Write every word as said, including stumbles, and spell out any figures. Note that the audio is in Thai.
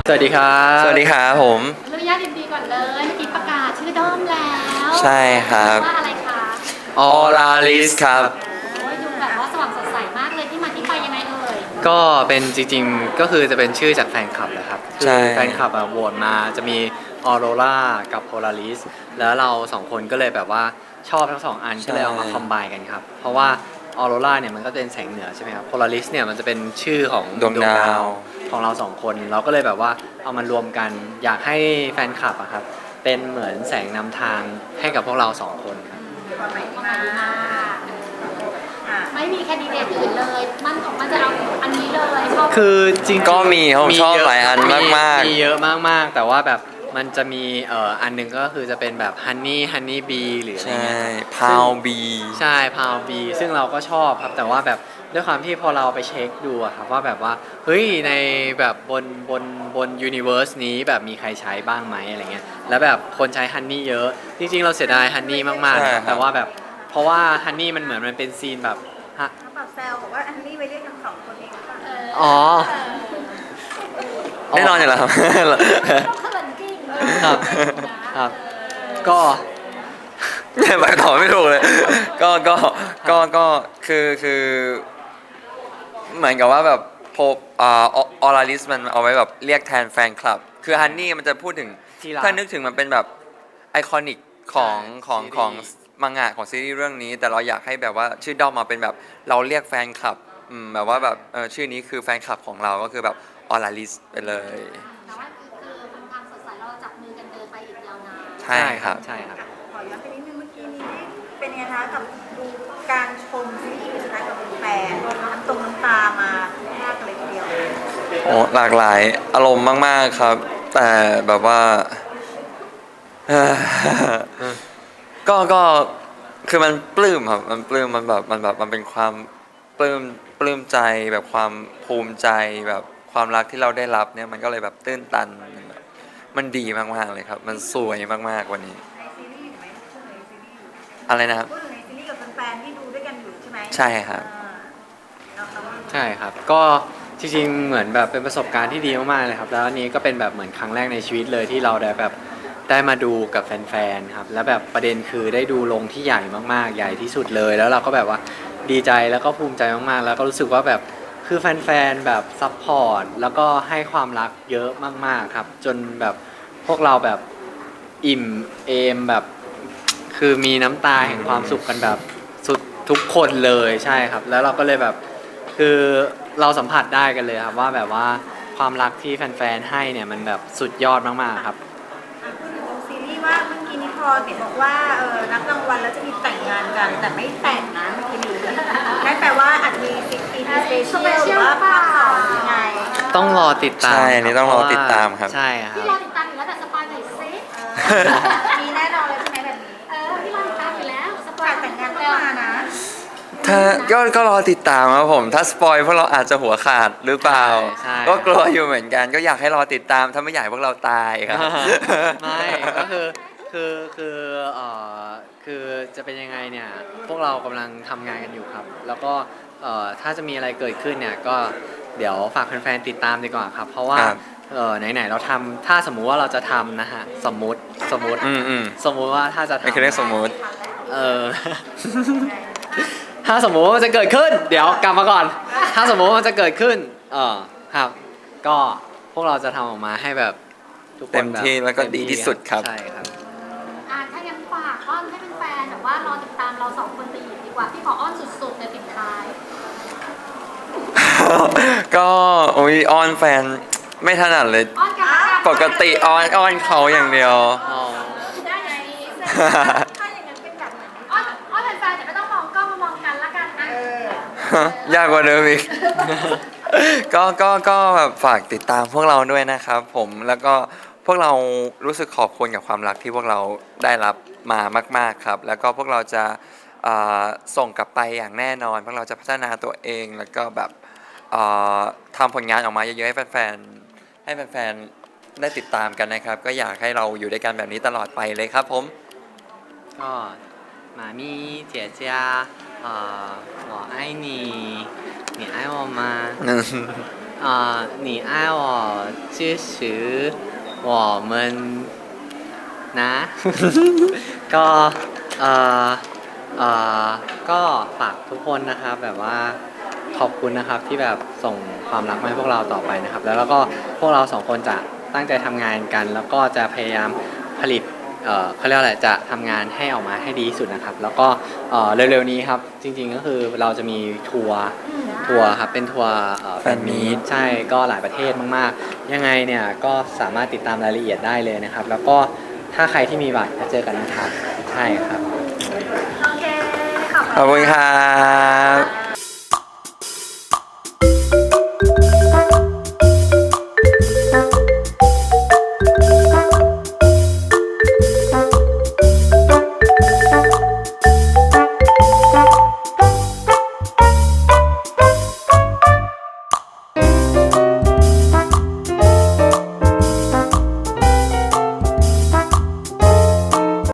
สวัสดีครับสวัสดีครับผมอนุญาตดีๆก่อนเลยเมื่อกี้ประกาศชื่อด้อมแล้วใช่ครับว่าอะไรคะออลาลิสครับโอ้ยดูแบบว่าสว่างสดใสมากเลยที่มาที่ไปยังไงเอ่ยก็เป็นจริงๆก็คือจะเป็นชื่อจากแฟนคลับแหละครับคืใช่แฟนคลับอะโหวตมาจะมีออโรรากับโพลาริสแล้วเราสองคนก็เลยแบบว่าชอบทั้งสองอันก็เลยเอามาคอมไบกันครับ เพราะว่าออโรราเนี่ยมันก็เป็นแสงเหนือใช่ไหมครับโพลาริสเนี่ยมันจะเป็นชื่อของดวงดาวของเราสองคนเราก็เลยแบบว่าเอามารวมกันอยากให้แฟนคลับอะครับเป็นเหมือนแสงนำทางให้กับพวกเราสองคนครับความหมายที่มาไม่มีแคนดิเดตอื่นเลย มันออกมาจะเอาอันนี้เลยชอบคือจริงๆก็มีครับผมชอบเะหลายอันมากๆมีเยอะมากๆ แต่ว่าแบบมันจะมีเอ่ออันหนึงก็คือจะเป็นแบบฮันนี่ฮันนี่บีหรืออะไรใช่เงี้ยพาวบีใช่พาวบีซึ่งเราก็ชอบครับแต่ว่าแบบด้วยความที่พอเราไปเช็คดูอะครับว่าแบบว่าเฮ้ยในแบบบนบนบนยูนิเวอร์สนี้แบบมีใครใช้บ้างไหมอะไรเงี้ยแล้วแบบคนใช้ฮันนี่เยอะจริงๆเราเสียดายฮันนี่มากๆนะครับแต่ว่าแบบเพราะว่าฮันนี่มันเหมือนมันเป็นซีนแบบฮะเขาแบบแซวบอกว่าอันนี้ไปเรียกทั้งสองคนเองหรือเปล่าอ๋อแน่นอนอยู่แล้วครับต้องเขินจริงครับครับ ก็ไปต่อไม่ถูกเลย ก็ก็ก็ก็คือคือเหมือนกับว่าแบบโพอ่าออลาลิสมันเอาไว้แบบเรียกแทนแฟนคลับ คือฮันนี่มันจะพูดถึงที่รักถ้านึกถึงมันเป็นแบบไอคอนิกของของซีรีส์ของมังงะของซีรีส์เรื่องนี้ แต่เราอยากให้แบบว่าชื่อด้อมมาเป็นแบบเราเรียกแฟนคลับอืมแบบว่าแบบเออชื่อนี้คือแฟนคลับของเราก็คือแบบออลาลิสไปเลยแต่ว่าคือคือเป็นความสดใสเราจับมือกันเดินไปอีกยาวนานใช่ครับใช่ครับขอย้อนไปนิดนึงเมื่อกี้นี้เป็นยังไงคะกับดูการชมซีรีส์นะคะกับแฟนน้ำตรงน้ำตามามากเลยทีเดียวโอ้หลากหลายอารมณ์มาก ๆ ครับ แต่แบบว่า เอ่อก็ก็คือมันปลื้มครับมันปลื้มมันแบบมันแบบมันเป็นความปลื้มปลื้มใจแบบความภูมิใจแบบความรักที่เราได้รับเนี่ยมันก็เลยแบบตื้นตันมันแบบมันดีมาก ๆ เลยครับ มันสวยมาก ๆ วันนี้ในซีรีส์อยู่ไหมพูดถึงในซีรีส์อยู่อะไรนะครับพูดถึงในซีรีส์กับแฟนๆที่ดูด้วยกันอยู่ใช่ไหมใช่ครับอ่าแล้วเขาว่าใช่ครับ ก็จริงๆ เหมือนแบบเป็นประสบการณ์ที่ดีมากๆ เลยครับ แล้วอันนี้ก็เป็นแบบเหมือนครั้งแรกในชีวิตเลยที่เราได้แบบได้มาดูกับแฟนๆ ครับ แล้วแบบประเด็นคือได้ดูลงที่ใหญ่มากๆ ใหญ่ที่สุดเลย แล้วเราก็แบบว่าดีใจแล้วก็ภูมิใจมากๆ แล้วก็รู้สึกว่าแบบคือแฟนๆ แบบซัพพอร์ตแล้วก็ให้ความรักเยอะมากๆ ครับ จนแบบพวกเราแบบอิ่มเอมแบบคือมีน้ำตาแห่งความสุขกันแบบสุดทุกคนเลยใช่ครับ แล้วเราก็เลยแบบ คือเราสัมผัสได้กันเลยครับว่าแบบว่าความรักที่แฟนๆให้เนี่ยมันแบบสุดยอดมากๆครับอ่ะพูดถึงตรงซีรีส์ว่าเมื่อกี้นี้พอเห็นบอกว่าเออนับรางวัลแล้วจะมีแต่งงานกัน แต่ไม่แต่งนะเมื่อกี้นี้นั่นแปลว่าอาจมีสิบปีสเปเชียลหรือว่าภาคสองยังไงต้องรอติดตามใช่อันนี้ต้องรอติดตามครับใช่ครัพี่บรอติดตามอยู่แล้วแต่สปอยหน่อยซิเออมีแน่นอนเลยใช่ไหมแบบนี้เออพี่รอติดตามอยู่แล้วสปอยฝากแต่งงานต้องมานะถ้าก็ก็รอติดตามครับผม ถ้าสปอยพวกเราอาจจะหัวขาดหรือเปล่าใช่ก็กลัวอยู่เหมือนกัน ก็อยากให้รอติดตาม ถ้าไม่อยากให้พวกเราตายครับไม่ก็คือคือคือเอ่อคือจะเป็นยังไงเนี่ยพวกเรากำลังทำงานกันอยู่ครับ แล้วก็เอ่อถ้าจะมีอะไรเกิดขึ้นเนี่ยก็เดี๋ยวฝากแฟนๆติดตามดีกว่าครับ เพราะว่าครับเออไหนๆเราทำถ้าสมมุติว่าเราจะทำนะฮะสมมุติสมมุติอืมอืมสมมุติว่าถ้าจะไม่คือเรื่องทำสมมุติเออ ถ้าสมมุติว่ามันจะเกิดขึ้น เดี๋ยวกลับมาก่อน ถ้าสมมุติว่ามันจะเกิดขึ้น เออครับ ก็พวกเราจะทำออกมาให้แบบทุกคนเต็มที่บบแล้วก็ดีที่สุดครับใช่ครับอ่ะถ้างั้นฝากอ้อนให้เป็นแฟนแต่ว่ารอติดตามเราสองคนไปอีกดีกว่าพี่ขออ้อนสุดๆในปิดท้ายก็โอ้ยอ้อนแฟนไม่ถนัดเลยอ้อนกันละกันปกติอ้อนอ้อนเขาอย่างเดียวอ๋อได้ไงถ้าอย่างนั้นเป็นแบบไหนอ้อนอ้อนแฟนๆแต่ไม่ต้องมองกล้องมามองกันละกันนะเออยากกว่าเดิมอีก ก็ก็ก็แบบฝากติดตามพวกเราด้วยนะครับผมแล้วก็พวกเรารู้สึกขอบคุณกับความรักที่พวกเราได้รับมามากๆครับ แล้วก็พวกเราจะเอ่อส่งกลับไปอย่างแน่นอน พวกเราจะพัฒนาตัวเองแล้วก็แบบเอ่อทำผลงานออกมาเยอะๆให้แฟนๆให้แฟนๆได้ติดตามกันนะครับ ก็อยากให้เราอยู่ด้วยกันแบบนี้ตลอดไปเลยครับผมก็หมามีเจียเจียเอ่อ我爱你你爱我吗เอ่呃，你爱我支持我们นะ ก็เอ่อเอ่อก็ฝากทุกคนนะครับแบบว่าขอบคุณนะครับที่แบบส่งความรักมาให้พวกเราต่อไปนะครับ แล้วแล้วก็พวกเราสองคนจะตั้งใจทำงานกัน แล้วก็จะพยายามผลิตเอ่อเขาเรียกอะไรจะทำงานให้ออกมาให้ดีที่สุดนะครับ แล้วก็เอ่อเร็วๆนี้ครับจริงๆก็คือเราจะมีทัวร์ทัวร์ครับเป็นทัวร์เอ่อแฟนมีตใช่ก็หลายประเทศมากๆ ยังไงเนี่ยก็สามารถติดตามรายละเอียดได้เลยนะครับ แล้วก็ถ้าใครที่มีบัตรจะเจอกันนะครับใช่ครับโอเค ขอบขอบคุคุณ ณค่ะครับ